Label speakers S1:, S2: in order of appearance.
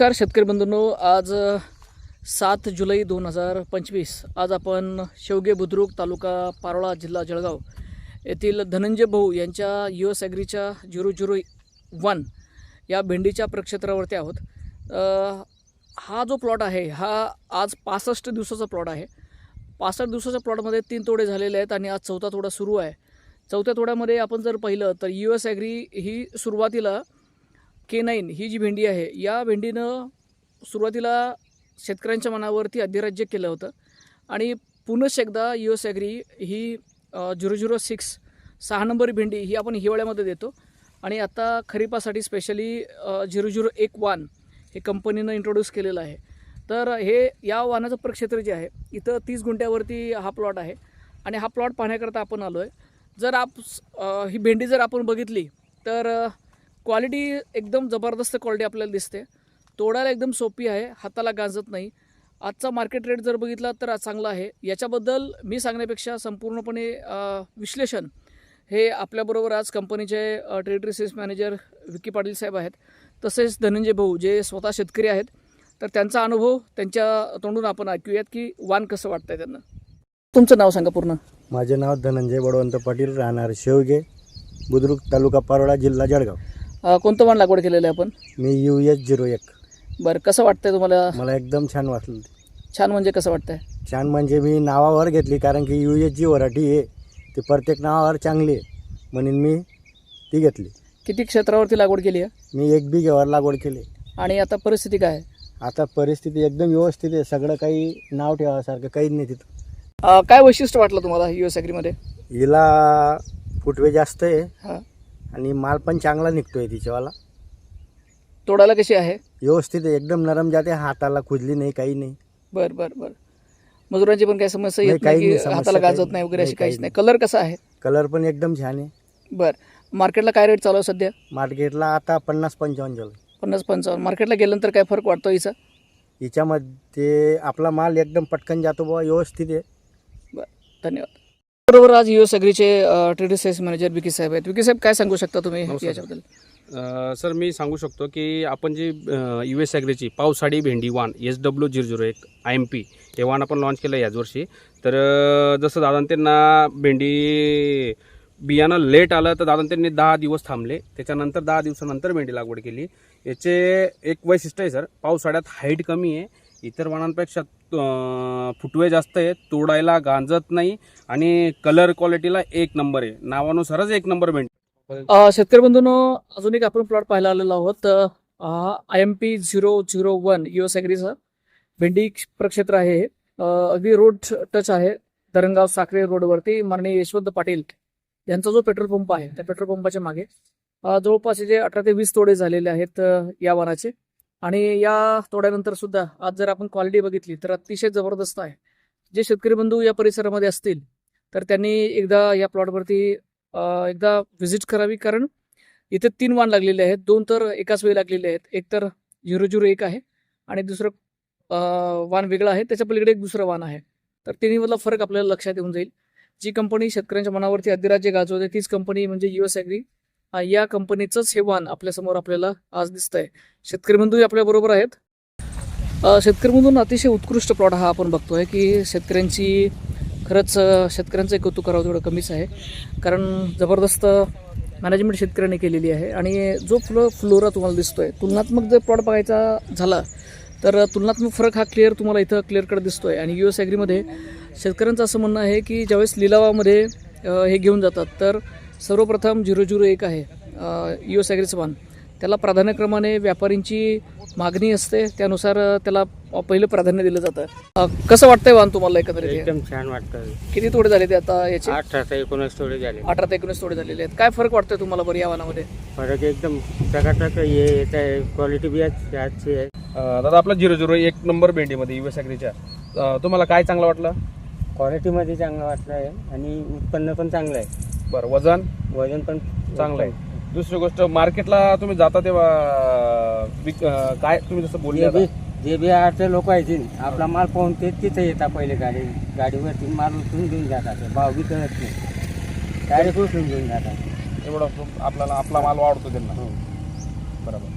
S1: नमस्कार शेतकरी बंधूंनो, आज 7 जुलै 2025 आज आपण शेवगे बुद्रुक तालुका पारोळा जिल्हा जळगाव येथील धनंजय भाऊ यांच्या US ॲग्रीच्या 001 या भेंडीच्या प्रक्षेत्रावरती आहोत। हा जो प्लॉट आहे हा आज 65 दिवसाचा प्लॉट आहे। 65 दिवसाच्या प्लॉटमध्ये 3 तोडे झालेले आहेत आणि आज चौथा तोडा सुरू आहे। चौथ्या तोड्यामध्ये आपण जर पाहिलं तर US ॲग्री ही सुरुवातीला K9 ही जी भेंडी आहे या भेंडीनं सुरुवातीला शेतकऱ्यांच्या मनावरती अधिराज्य केलं होतं आणि पुनश्च एकदा US ॲग्री ही 006 6 नंबर भेंडी ही आपण हिवाळ्यामध्ये देतो आणि आता खरीपासाठी स्पेशली 0011 हे कंपनीनं इंट्रोड्यूस केलेलं आहे। तर हे या वाहनाचं प्रक्षेत्र जे आहे इथं 30 गुंठ्यावरती हा प्लॉट आहे आणि हा प्लॉट पाहण्याकरता आपण आलो आहे। जर ही भेंडी जर आपण बघितली तर क्वालिटी एकदम ज़बरदस्त क्वालिटी आपल्याला दिसते। तोडायला एकदम सोपी आहे, हाताला गांजत नाही। आजचा मार्केट रेट जर बघितला तर चांगला आहे। याच्याबद्दल मी सांगण्यापेक्षा संपूर्णपणे विश्लेषण हे आपल्याबरोबर आज कंपनीचे territory sales manager Vicky Patil साहेब आहेत, तसेच धनंजय भाऊ जे स्वतः शेतकरी आहेत। तर त्यांचा अनुभव त्यांच्या तोंडून आपण ऐकूयात की वाण कसं वाटतंय त्यांना। तुमचं नाव सांगा पूर्ण।
S2: माझे नाव धनंजय बळवंत पाटील, राहणार शेवगे बुद्रुक तालुका पारोळा जिल्हा जळगाव।
S1: कोणतं वाण लागवड केलेलं आहे आपण?
S2: मी US 01।
S1: बरं, कसं वाटतंय तुम्हाला?
S2: मला एकदम छान वाटलं।
S1: छान म्हणजे कसं वाटतंय?
S2: छान म्हणजे मी नावावर घेतली, कारण की US जी व्हरायटी आहे ती प्रत्येक नावावर चांगली आहे म्हणून मी ती घेतली।
S1: किती क्षेत्रावरती लागवड केली आहे?
S2: मी 1 बिघ्यावर लागवड केली। आणि
S1: आता परिस्थिती काय आहे?
S2: आता परिस्थिती एकदम व्यवस्थित आहे, सगळं काही नाव ठेवासारखं काहीच नाही तिथं।
S1: काय वैशिष्ट्य वाटलं तुम्हाला US ॲग्रीमध्ये?
S2: हिला फुटवे जास्त आहे
S1: हां,
S2: आणि माल पण चांगला निघतोय तिच्यावाला।
S1: तोडायला कशी आहे?
S2: व्यवस्थित आहे, एकदम नरम जाते, हाताला खुजली नाही, काही नाही।
S1: बरं बरं बरं। मजुरांची पण काही समस्या
S2: नाही,
S1: येत नाही
S2: काही
S1: की
S2: नाही, समस्या
S1: हाताला
S2: काही
S1: गाजत नाही वगैरे अशी
S2: नाही,
S1: काहीच
S2: काही
S1: नाही? कलर कसा आहे?
S2: कलर पण एकदम छान आहे।
S1: बरं, मार्केटला काय रेट चालू आहे सध्या?
S2: मार्केटला आता 50-55 झालं।
S1: 50-55 मार्केटला गेल्यानंतर काय फरक वाटतो हिचा?
S2: हिच्यामध्ये आपला माल एकदम पटकन जातो बुवा, व्यवस्थित आहे।
S1: बरं, धन्यवाद। बरोबर, आज US ॲग्रीचे टेरिटरी सेल्स मॅनेजर विकी साहेब आहेत। विकी साहेब, काय सांगू शकता तुम्ही याच्याबद्दल?
S3: सर, मी सांगू शकतो की आपण जी US ॲग्रीची पावसाळी भेंडी वाण SW001 IMP हे वाण आपण लॉन्च केलं याच वर्षी। तर जसं दादा त्यांना भेंडी बियाणं लेट आलं तर दादा त्यांनी 10 दिवस थांबले, त्याच्यानंतर 10 दिवसानंतर भेंडी लागवड केली। याचे एक वैशिष्ट्य आहे सर, पावसाळ्यात हाईट कमी आहे, इतर वाणांपेक्षा फुटवे जास्त आहे, तोडायला गांजत नाही आणि कलर क्वालिटीला 1 नंबर आहे, नावानुसारच 1 नंबर भेंडी।
S1: शेतकरी बंधूंनो, अजून एक आपण प्लॉट पाहायला आलेलो आहोत। IMP 001 US ॲग्रीचा भेंडी प्रक्षेत्र आहे। अगदी रोड टच आहे, धरणगाव साखरे रोडवरती। माननीय यशवंत पाटील यांचा जो पेट्रोल पंप आहे त्या पेट्रोल पंपाच्या मागे जवळपास जे 18 ते 20 तोडे झालेले आहेत या वाणाचे। आणि या तोड्यानंतर सुद्धा आज जर आपण क्वालिटी बघितली तर अतिशय जबरदस्त आहे। जे शेतकरी बंधू या परिसरामध्ये असतील तर त्यांनी एकदा या प्लॉटवरती एकदा व्हिजिट करावी, कारण इथे 3 वाण लागलेले आहेत। 2 तर एकाच वेळी लागलेले आहेत। एक तर 001 आहे आणि दुसरं वाण वेगळं आहे, त्याच्या पलीकडे एक दुसरं वाण आहे। तर तिन्हीमधला फरक आपल्याला लक्षात येऊन जाईल। जी कंपनी शेतकऱ्यांच्या मनावरती अधिराज्य गाजवते तीच कंपनी म्हणजे US ॲग्री। या कंपनीचंच हे वाण आपल्यासमोर आपल्याला आज दिसतंय। शेतकरी बंधू आपल्या बरोबर आहेत। शेतकरी बंधूंना अतिशय उत्कृष्ट प्लॉट हा आपण बघतोय की शेतकऱ्यांची खरंच शेतकऱ्यांचं कौतुक करावं तेवढं कमीच आहे, कारण जबरदस्त मॅनेजमेंट शेतकऱ्यांनी केलेली आहे। आणि जो फ्लोरा तुम्हाला दिसतोय, तुलनात्मक जर प्लॉट बघायचा झाला तर तुलनात्मक फरक हा तुम्हाला इथं क्लिअर कट दिसतोय। आणि US ॲग्रीमध्ये शेतकऱ्यांचं असं म्हणणं आहे की ज्यावेळेस लिलावामध्ये हे घेऊन जातात तर सर्वप्रथम 001 आहे US ॲग्रीचं वाण, त्याला प्राधान्यक्रमाने व्यापारींची मागणी असते, त्यानुसार त्याला पहिलं प्राधान्य दिलं जातं। कसं वाटतंय वाण तुम्हाला एकंदरीत?
S2: एकदम छान वाटतं।
S1: किती तोडे झाले ते आता याचे?
S2: 18 ते 19 तोडे झाले।
S1: 18 ते 19 तोडे झालेले आहेत। काय फरक वाटतोय तुम्हाला बरं या वाणामध्ये?
S2: फरक एकदम टकाटक येत आहे, क्वालिटी बी अच्छी आहे।
S3: दादा, आपला 001 नंबर भेंडीमध्ये US ॲग्रीच्या तुम्हाला काय चांगलं वाटलं?
S2: क्वालिटीमध्ये चांगलं वाटलं आहे आणि उत्पन्न पण चांगलं आहे।
S3: बरं, वजन
S2: पण
S3: चांगलं आहे। दुसरी गोष्ट, मार्केटला तुम्ही जाता तेव्हा काय तुम्ही जसं बोलले
S2: जे बी आरचे लोक आहेत आपला माल पाहून ते तिथे येतात, पहिले गाडीवरती माल उचलून घेऊन जातात, भाव बी कळत नाही, डायरेक्ट उचलून घेऊन जातात।
S3: एवढं आपल्याला आपला माल वाढतो त्यांना। बरोबर।